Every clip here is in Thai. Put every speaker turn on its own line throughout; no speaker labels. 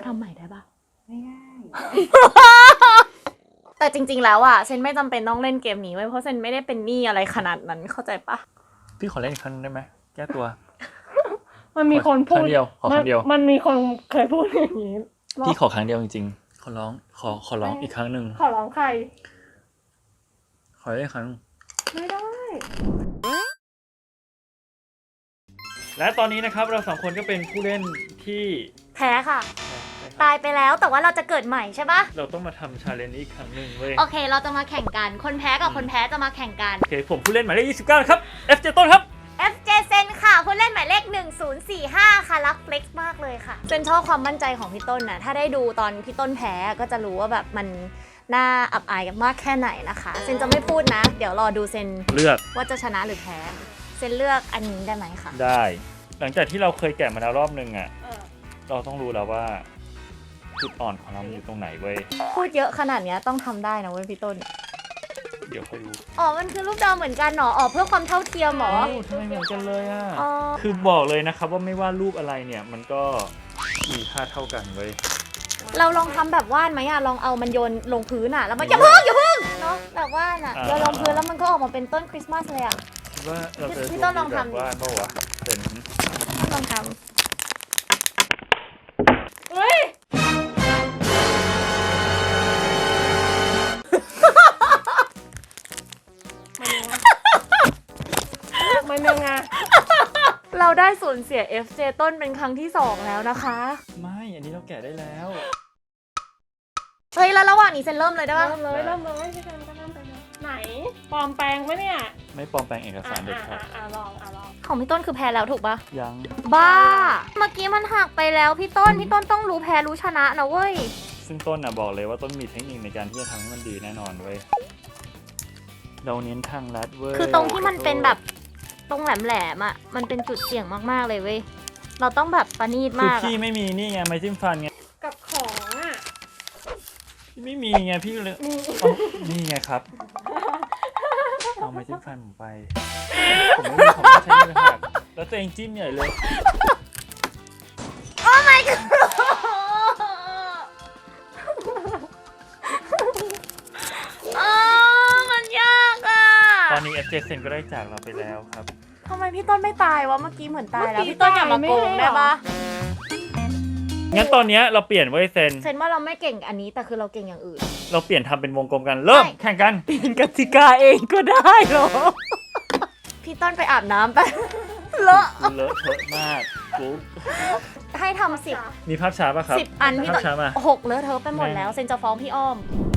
ทำใหม่ได้ปะ
ไม่ได้
แต่จริงๆแล้วอ่ะเซนไม่จำเป็นต้องเล่นเกมนี้ไว้เพราะเซนไม่ได้เป็นหนี้อะไรขนาดนั้นเข้าใจปะ
พี่ขอเล่นอีกครั้งได้ไหมแก้ตัว
มันมีคนพูด
ครั้งเดียวขอครั้งเดียว
มันมีคนเคยพูดอย่างนี้
พี่ขอครั้งเดียวจริงๆขอร้องอีกครั้งหนึ่ง
ขอร้องใคร
ขอเล่นอีกครั้ง
ไม่ได้
และตอนนี้นะครับเราสองคนก็เป็นผู้เล่นที่
แพ้ค่ะ ตายไปแล้วแต่ว่าเราจะเกิดใหม่ใช่ปะ
เราต้องมาทำชาเลนจ์นี้อีกครั้งหนึ่งเว้ย
โอเคเราจะมาแข่งกันคนแพ้กับคนแพ้จะมาแข่งกัน
โอเคผมผู้เล่นหมายเลข29นะครับ FJ ต้นครับ
FJ เซนค่ะผู้เล่นหมายเลข1045ค่ะรักเฟล็กซ์มากเลยค่ะเซนชอบความมั่นใจของพี่ต้นนะถ้าได้ดูตอนพี่ต้นแพ้ก็จะรู้ว่าแบบมันน่าอับอายกันมากแค่ไหนนะคะเซนจะไม่พูดนะ เดี๋ยวรอดูเซน
เลือก
ว่าจะชนะหรือแพ้เซนเลือกอันนี้ได้ไหมคะ
ได้ หลังจากที่เราเคยแกะมาแล้วรอบนึงอ่ะเราต้องรู้แล้วว่าจุดอ่อนของเราอยู่ตรงไหนเว้ย
พูดเยอะขนาดนี้ต้องทำได้นะเว้ยพี่ต้น
เดี๋ยวค่อยรู้
อ๋อมันคือรูปดาวเหมือนกันเหรออ๋อเพื่อความเท่าเทียมเหรอ
ทำไมเหมือนกันเลยอ่ะ
อ๋อ
คือบอกเลยนะครับว่าไม่ว่ารูปอะไรเนี่ยมันก็มีค่าเท่ากันเว้ย
เราลองทำแบบว่านไหมอะลองเอามันโยนลงพื้นอะแล้วมันอย่าเพิ่งเนาะแบบว่านอะโยนลงพื้นแล้วมันก็ออกมาเป็นต้นคริสต์มาสเลยอะ
คิดว่าเราจะ
พี่ต้นลองทำ
แบบว่าเปล่าวะเป็น
ลองท
เฮ้ย มันยังไง
ำเราได้สูญเสีย FJ ต้นเป็นครั้งที่2แล้วนะคะ
ไม่อันนี้เราแกะได้แล้ว
เฮ้ยแล้วระหว่างนี้เซนเริ่มเลยได้ปะ
เริ่มเลยพี่กันก็เริ่มไปเลยไหนปลอมแปลงปะเนี่ย
ไม่ปลอมแปลงเอกสารเด็ดขาด
ลอง
ของพี่ต้นคือแพ้แล้วถูกปะ
ยัง
บ้า เมื่อกี้มันหักไปแล้วพี่ต้นต้องรู้แพ้รู้ชนะนะเว้ย
ซึ่งต้นน่ะบอกเลยว่าต้นมีเทคนิคในการที่จะทำให้มันดีแน่นอนเว้ยเราเน้นทางลัดเว้ย
คือตรงที่มันเป็นแบบตรงแหลมๆอะมันเป็นจุดเสี่ยงมากๆเลยเว้ย เราต้องแบบประณีต
คือ
มาก
พี่
อะ
ไม่มีนี่ไงไม้จิ้มฟันไง
กับของอ่ะ
พี่ไม่มีไงพี่เลยเอานี่ไงครับเอาไม้จิ้มฟันผมไปผมไม่มีผมก็ใช้มือหักแล้วตัวเองจิ้มใหญ่เลย
โอ้ my god อ๋อมันยากอะ
ตอนนี้ FJ เซนก็ได้จากเราไปแล้วครับ
ทำไมพี่ต้นไม่ตายวะเมื่อกี้เหมือนตายแล้วพี่ต้นอย่ามาโกงได้ปะ
งั้นตอนเนี้ยเราเปลี่ยนไว้เซน
เซนว่าเราไม่เก่งอันนี้แต่คือเราเก่งอย่างอื่น
เราเปลี่ยนทำเป็นวงกลมกันเริ่ม
ใช่
แข่งกัน
เปลี่ยนกติกาเองก็ได้เหรอ พี่ต้นไปอาบน้ำไปเลอะ
เลอะเทอะมากกุ๊ก
ให้ทำ10
มีภาพช้าป่ะครับ
อันพี่
ภา
ต้
พช้ามา
น6เลอะเทอะไปหมดแล้วเซนจะฟ้องพี่อ้อม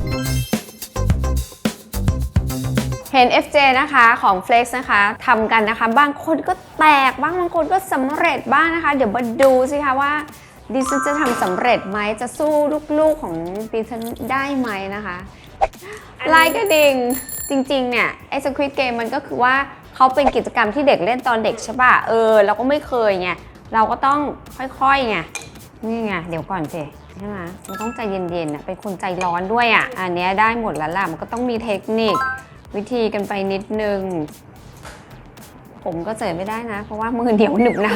เห็น FJ นะคะของ Flex นะคะทำกันนะคะบางคนก็แตกบ้างบางคนก็สำเร็จบ้างนะคะ เดี๋ยวมาดูสิคะว่าดิฉันจะทำสำเร็จไหมจะสู้ลูกๆของดิฉันได้ไหมนะคะไลค์กระดิ่งจริงๆเนี่ยไอ้ Squid Game มันก็คือว่าเขาเป็นกิจกรรมที่เด็กเล่นตอนเด็กใช่ป่ะเราก็ไม่เคยไงเราก็ต้องค่อยๆไงนี่ไงเดี๋ยวก่อนสิใช่ไหมมันต้องใจเย็นๆเป็นคนใจร้อนด้วยอันเนี้ยได้หมดแล้วล่ะมันก็ต้องมีเทคนิควิธีกันไปนิดนึงผมก็เจอไม่ได้นะเพราะว่ามือเดียวหนึบหนาว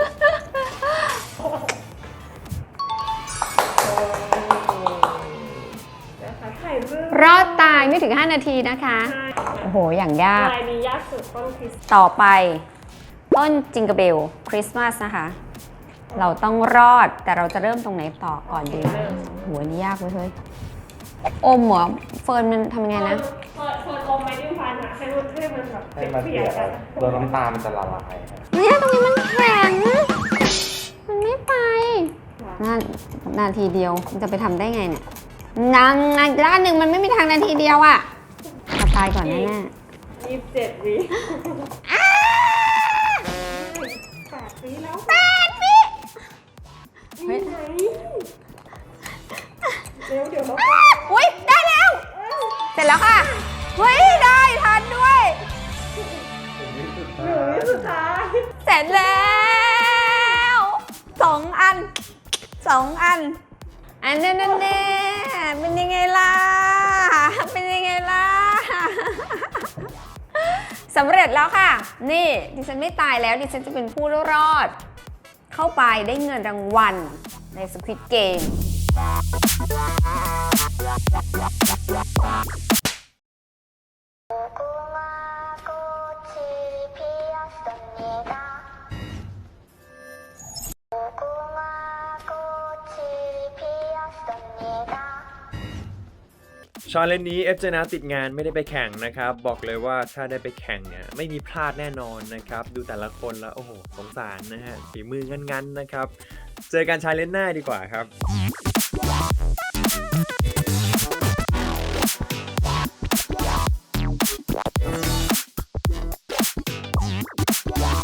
ถ่ายรูป
รอดตายไม่ถึง 5 นาทีนะคะ โอ้โห อย่างยาก
ลายนี้ยากสุดต้นคริสต์
ต่อไป ต้นจิงเกอร์เบลคริสต์มาสนะคะ เราต้องรอดแต่เราจะเริ่มตรงไหนต่อก่อนดีโหนี่ยากเว้ยเฮ้ยอมเหรอเฟิร์นมันทำยังไงนะ
เฟิร์นอมไม้จิ้มฟันอะให้มันแบบ
ให้มัน
เปี
เปี
ย
ย
ก
ก
ๆอะ
โดนน้ำตาลมันจะละลายครับ
เนี่ยตรงนี้มันแข็ง มันไม่ไปนาทีเดียวมันจะไปทำได้ไงเนี่ยด้านหนึ่งมันไม่มีทางนาทีเดียวอะตายก่อนแน่
27 วิ8 วิแล้ว
8 วิ
เฮ้ยเดี๋ยวเรา
อุ๊ยได้แล้ว เสร็จแล้วค่ะ เฮ้ย ได้ทันด้วย
วิสุดท้าย
เสร็จแล้ว2 อัน 2 อัน อันนั้นแน่เป็นยังไงล่ะ เป็นยังไงล่ะ สำเร็จแล้วค่ะ นี่ดิฉันไม่ตายแล้วดิฉันจะเป็นผู้รอด เข้าไปได้เงินรางวัลใน Squid Game
ชาเลนจ์นี้เอฟเจนะติดงานไม่ได้ไปแข่งนะครับบอกเลยว่าถ้าได้ไปแข่งเนี่ยไม่มีพลาดแน่นอนนะครับดูแต่ละคนแล้วโอ้โหสงสารนะฮะฝีมืองันๆนะครับเจอกันชาเลนจ์หน้าดีกว่าครับ